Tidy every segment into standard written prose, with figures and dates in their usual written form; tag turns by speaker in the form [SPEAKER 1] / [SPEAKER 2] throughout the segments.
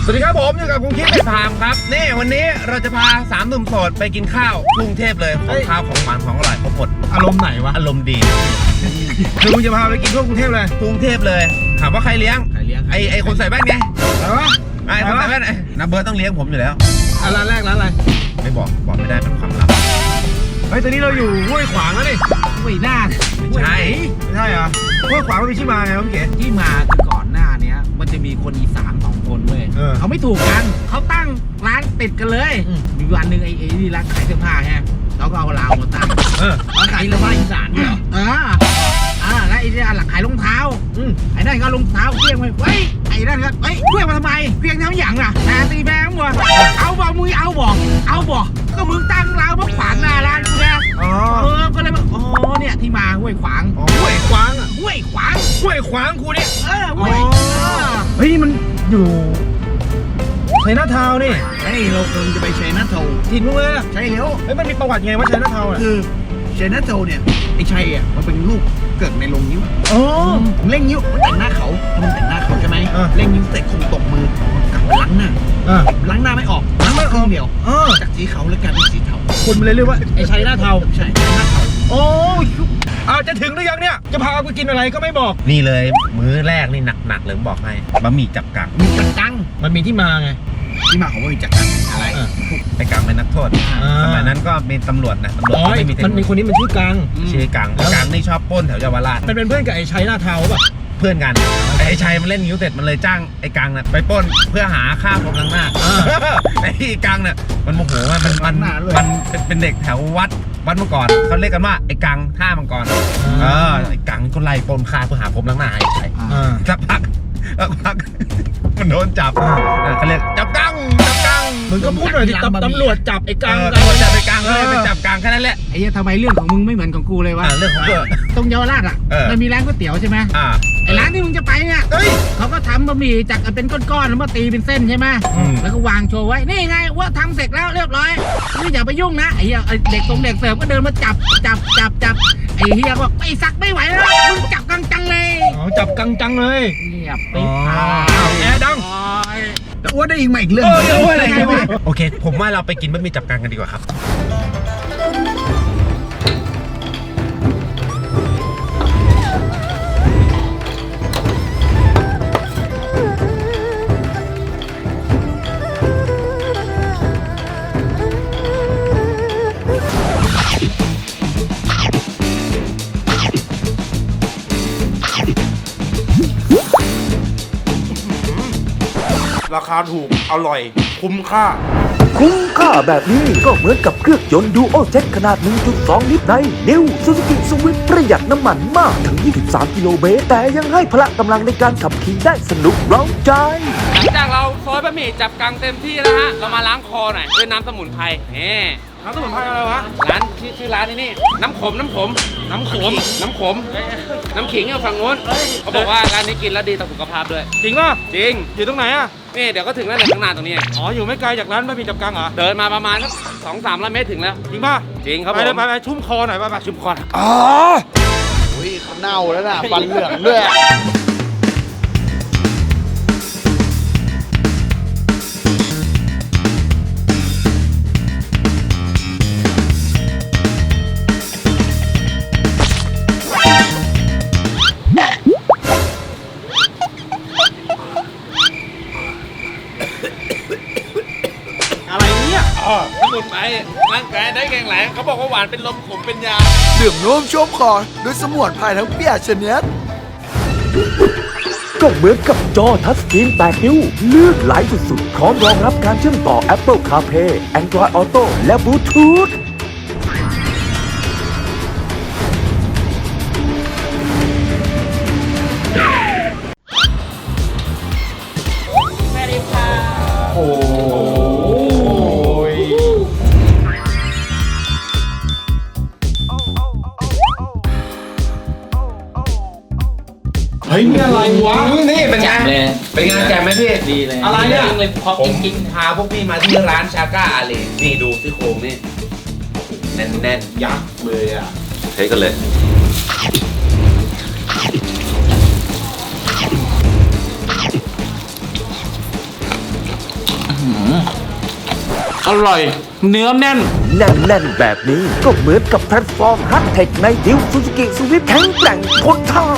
[SPEAKER 1] สวัสดีครับผมอยู่กับคุณคิดเป็นพามครับนี่วันนี้เราจะพา3 หนุ่มโสดไปกินข้าวกรุงเทพเลยของข้าวของหวานของอร่อยครบหมด
[SPEAKER 2] อารมณ์ไหนวะ
[SPEAKER 1] อารมณ์ดี
[SPEAKER 2] คือมึงจะพาไปกินทั่วกรุงเทพเลย
[SPEAKER 1] กรุงเทพเลยถามว่าใครเลี้ยงไอคนใส่แว่นไงไอคนใส่แว่นนะเบิร์ดต้องเลี้ยงผมอยู่แล้ว
[SPEAKER 2] ร้านแรกร้านอะไร
[SPEAKER 1] ไม่บอกไม่ได้เป็นความลับ
[SPEAKER 2] เฮ้ยตอนนี้เราอยู่ห้วยขวางแล้วนี่
[SPEAKER 3] ห้วยหน้า
[SPEAKER 1] ไม่ใช่
[SPEAKER 2] เหรอห้วยขวางมันมีที่มาไงพี่เก๋
[SPEAKER 3] ที่มาคือก่อนหน้านี้มันจะมีคนอีสาน2 คนเลยเขาไม่ถูกกันเขาตั้งร้านติดกันเลยมีวันหนึ่งไอ้นี่ร้านขายเสื้อผ้าแฮะเขาก็เอาลาวมาตั้งร้านขายเสื้อผ้าอีสานเนี่ยแล้วไอ้นี่หลักขายรองเท้าไอ้นั่นก็รองเท้าเพี้ยงไปเฮ้ยไอ้นั่นก็เฮ้ยเพี้ยงมาทำไมเพี้ยงน้ำหยั่งอ่ะตีแบงค์วะเอาบอกมึงเอาบอกก็มึงตั้งร้านมาขวางหน้าร้านกูไงก็เลยว่าเนี่ยที่มาห้วยขวาง
[SPEAKER 2] ห้วยขวาง
[SPEAKER 3] ห้วยขวาง
[SPEAKER 2] กูเนี่ย
[SPEAKER 3] เฮ้ย
[SPEAKER 2] มันอยู่ชัยนาทาวน์นี่
[SPEAKER 3] เราคงจะไปชัยนาทาวน์
[SPEAKER 2] ถิ่นมึงเลย
[SPEAKER 3] ใช่แล้ว
[SPEAKER 2] มันมีประวัติไงว่าชัยนาทาวน์
[SPEAKER 3] คือชัยนาทาวน์เนี่ยไอ้ชัยอ่ะมันเป็นลูกเกิดในโรงนิ้วเล่งนิ้วมันแต่งหน้าเขาใช่ไหมเล่งนิ้วเสร็จคงตกมือกลับไปล้างหน้าไม่ออกล้างไม่ครึ่งเดียวจากสีขาวเลยกลายเป็นสีเทา
[SPEAKER 2] คนมันเลยเรียกว่าไอ้ชัยนาทาวน์
[SPEAKER 3] ใช่ชัยนาทาวน์
[SPEAKER 2] จะถึงหรือยังเนี่ยจะพาไปกินอะไรก็ไม่บอก
[SPEAKER 1] นี่เลยมื้อแรกนี่หนักเลยบอกให้บะหมี่จับกัง
[SPEAKER 2] มันมีที่มาไง
[SPEAKER 3] ที่มาของบะหมี่จับกังอะไร
[SPEAKER 1] ไอ้กังเป็นนักโทษสมัยนั้นก็มีตำรวจนะ
[SPEAKER 2] มันมีคนนี้มันชื่อกัง
[SPEAKER 1] กังนี่ชอบปล้นแถวเยาวราช
[SPEAKER 2] มันเป็นเพื่อนกับไอ้ชัยนาทาวน์ป่ะ
[SPEAKER 1] เพื่อนกันไอ้ชัยมันเล่นนิ้วเสร็จมันเลยจ้างไอ้กังน่ะไปปล้นเพื่อหาค่าพรมล้างหน้าไอ้กังน่ะมันโมโหมันเป็นเด็กแถววัดเมื่อก่อนเขาเรียกกันว่าไอ้กังท่ามังกรไอ้กังก็ไล่ปล้นค่าเพื่อหาพรมล้างหน้าให้ชัยสักพักมันโดนจับเขาเรียกจับกัง
[SPEAKER 2] มึงก็พูดหน่อยดิตำรวจจับไอ้กัง
[SPEAKER 1] ตำรวจจับไอ้กังเลยไปจับกังแค่นั้นแหละ
[SPEAKER 3] ไอ้ทำไมเรื่องของมึงไม่เหมือนของกูเลยวะ
[SPEAKER 1] เรื่องของกู
[SPEAKER 3] ตรงเยาวราชอ่ะมันมีร้านก๋วยเตี๋ยวใช่ไหมไอ้ร้านที่มึงจะไปเนี่ยเขาก็ทำบะหมี่จากเป็นก้อนๆแล้วมาตีเป็นเส้นใช่ไหมแล้วก็วางโชว์ไว้นี่ไงว่าทำเสร็จแล้วเรียบร้อยนี่อย่าไปยุ่งนะไอ้เด็กเสิร์ฟก็เดินมาจับไอ้เฮียบอกไอ้สักไม่ไหวแล้วมึงจับกังจังเลย
[SPEAKER 2] จับกังจังเลย
[SPEAKER 3] เงียบปิ๊บ
[SPEAKER 2] แอร์ดัง
[SPEAKER 3] แต่อ้วนได้อีกมาอีกเรื่อง
[SPEAKER 1] อะไรวะโอเคผมว่าเราไปกินบะหมี่จับกังกันดีกว่าครับ
[SPEAKER 2] ราคาถูกอร่อยคุ้มค่า
[SPEAKER 4] แบบนี้ก็เหมือนกับเครื่องยนต์ดูโอเจ็ตขนาด 1.2 ลิตรใน New Suzuki Swift ประหยัดน้ำมันมากถึง 23 กิโลเมตรแต่ยังให้พละกำลังในการขับขี่ได้สนุกเร้าใจ
[SPEAKER 5] หลังจากเราซอยบะหมี่จับกังเต็มที่แล้วฮะเรามาล้างคอหน่อยด้วยน้ำสมุนไพร
[SPEAKER 2] น้ำสมุนไพรอะไรวะ
[SPEAKER 5] ร้านชื่อร้านนี่น้ำขมน้ำขิงอยู่ฝั่งโน้นเขาบอกว่าร้านนี้กินแล้วดีต่อสุขภาพด้วย
[SPEAKER 2] จริงป่ะ
[SPEAKER 5] จริง
[SPEAKER 2] อยู่ตรงไหนอ่ะ
[SPEAKER 5] นี่เดี๋ยวก็ถึงแล้วเนี่ยข้างหน้าตรงนี้
[SPEAKER 2] อยู่ไม่ไกลจากร้านบะหมี่จับกังเหรอ
[SPEAKER 5] เดินมาประมาณสัก2-300 เมตรถึงแล้ว
[SPEAKER 2] จริงป่ะ
[SPEAKER 5] จริงครับผม
[SPEAKER 2] ไปชุ่มคอหน่อยไป
[SPEAKER 5] ชุ่มคอ
[SPEAKER 3] เขาเน่าแล้วนะฟันเหลืองด้วย
[SPEAKER 5] สมุนไพรร่างกายได้แข็งแรงเขาบอกว่าหวานเป็นลมขมเป็นยา
[SPEAKER 4] ดื่มร่วมชุ่มคอด้วยสมุนไพรทั้งเปียกชนิดก็เหมือนกับจอทัชสกรีน8 นิ้วลื่นไหลสุดๆพร้อมรองรับการเชื่อมต่อ Apple CarPlay Android Auto และ Bluetooth
[SPEAKER 2] เฮ้ยนี่อะไรวะ
[SPEAKER 1] นี่เป็นไงแจมไหมพี่
[SPEAKER 5] ดีเลย
[SPEAKER 2] อะไรเนี่ย
[SPEAKER 1] ผมพาพวกพี่มาที่ร้านชาก้าอาลีนี่ดูซี่โครงนี่แน่น
[SPEAKER 2] ยักษ์เลยอ่ะ
[SPEAKER 1] ใช้กันเลย
[SPEAKER 2] อ
[SPEAKER 5] อร่อย เนื้อแน่น
[SPEAKER 4] แน่นๆแบบนี้ก็เหมือนกับแพลตฟอร์มฮัตเทคในดิวซูซูกิสวิฟแข็งแกร่งทนทาน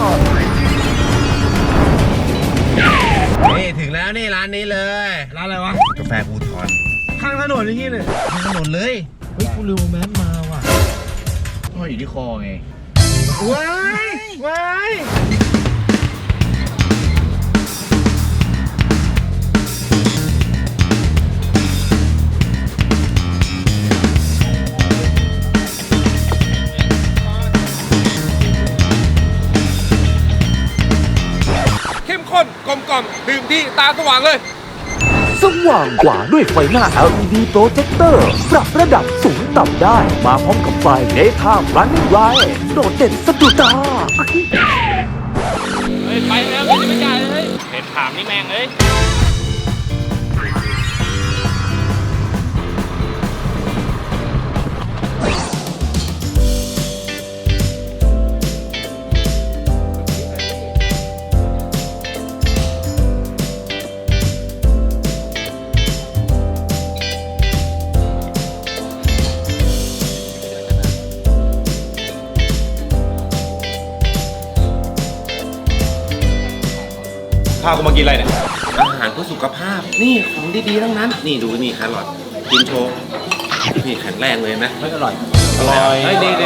[SPEAKER 1] นี่ถึงแล้วนี่ร้านนี้เลย
[SPEAKER 2] ร้านอะไรวะ
[SPEAKER 1] กาแฟภูทร
[SPEAKER 2] ข้างถนนอย่างงี้เลย
[SPEAKER 1] ข้างถนนเลย
[SPEAKER 2] เฮ้ยกูลืมแมสมาว่ะ
[SPEAKER 3] ห้อยอยู่ที่คอไง
[SPEAKER 2] ว้ายว้าย
[SPEAKER 5] เข้มข้นกลมกล่อมดื่มดีตาสว่างเลย
[SPEAKER 4] สว่างกว่าด้วยไฟหน้า LED โปรเจคเตอร์ปรับระดับสูงต่ำได้ มาพร้อมกับไฟ Daytime Running Light โดดเด่นสะดุดตา
[SPEAKER 5] เฮ้ย ไปแล้วไม่ได้ไม่จ่ายเลยเห็นถามนี่แม่งเอ้ย
[SPEAKER 2] พากูมากินอะไรเนี่ย
[SPEAKER 1] อาหารเพื่อสุขภาพ นี่ของดีๆทั้งนั้น นี่ดูนี่แครอทกินโชว์ นี่แข็งแรงเลยนะ
[SPEAKER 3] ไม่อร่อย
[SPEAKER 2] อร่อย
[SPEAKER 1] เฮ้ยดี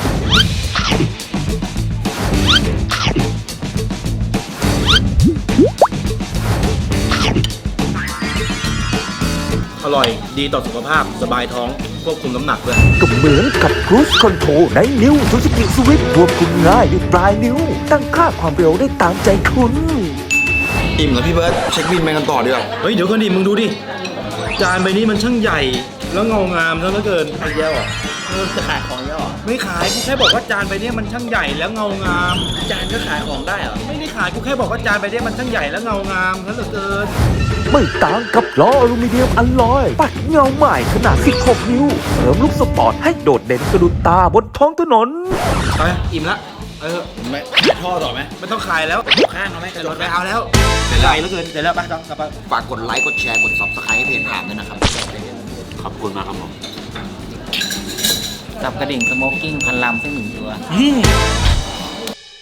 [SPEAKER 2] อร่อย ดีต่อสุขภาพ สบายท้อง ควบคุมน้ำหนักด้วย
[SPEAKER 4] ก็เหมือนกับ Cruise Control ใน New Suzuki Swift ควบคุมง่ายด้วยปลายนิ้ว ตั้งค่าความเร็วได้ตามใจคุณ
[SPEAKER 6] อิ่มแล้วพี่เบิร์ตเช็คบินไปกันต่อดีกว่า
[SPEAKER 2] เฮ้ย เดี๋ยวก่อนดิ มึงดูดิ จานใบนี้มันช่างใหญ่ แล้วเงางามซะเหลือเกินไอ้เหี้ยอ่ะ
[SPEAKER 3] จะขายของเยอะเหรอ
[SPEAKER 2] ไม่ขาย กูแค่บอกว่าจานใบนี้มันช่างใหญ่แล้วเงางาม
[SPEAKER 3] จานก็ขายของได้เหรอ
[SPEAKER 2] ไม่ได้ขาย กูแค่บอกว่าจานใบนี้มันช่างใหญ่แล้วเงางามซะเหลือเกิน
[SPEAKER 4] ไม่ต่างกับล้ออลูมิเนียมอลลอย ปัดเงาใหม่ขนาด 16 นิ้ว เสริมลุคสปอร์ตให้โดดเด่นสะดุดตาบนท้องถนน
[SPEAKER 2] ไป อิ่มละ
[SPEAKER 3] ไม่ท่อต่อไหม
[SPEAKER 2] ไม่ต้องขายแล้ว
[SPEAKER 3] ข้างเอาไหมกระโดด
[SPEAKER 2] ไป
[SPEAKER 3] ไป
[SPEAKER 2] เอาแล้วใหญ่เหลือเกิน เดี๋ยวแล้วไปต้องกลับไป
[SPEAKER 6] ฝากกดไลค์ กดแชร์ กด Subscribe ให้เพจถามด้วยนะครับ
[SPEAKER 1] ขอบคุณมากครับผม
[SPEAKER 3] กับกระดิ่งสโมกกิ้งพันลำสักหนึ่งตัว
[SPEAKER 2] นี่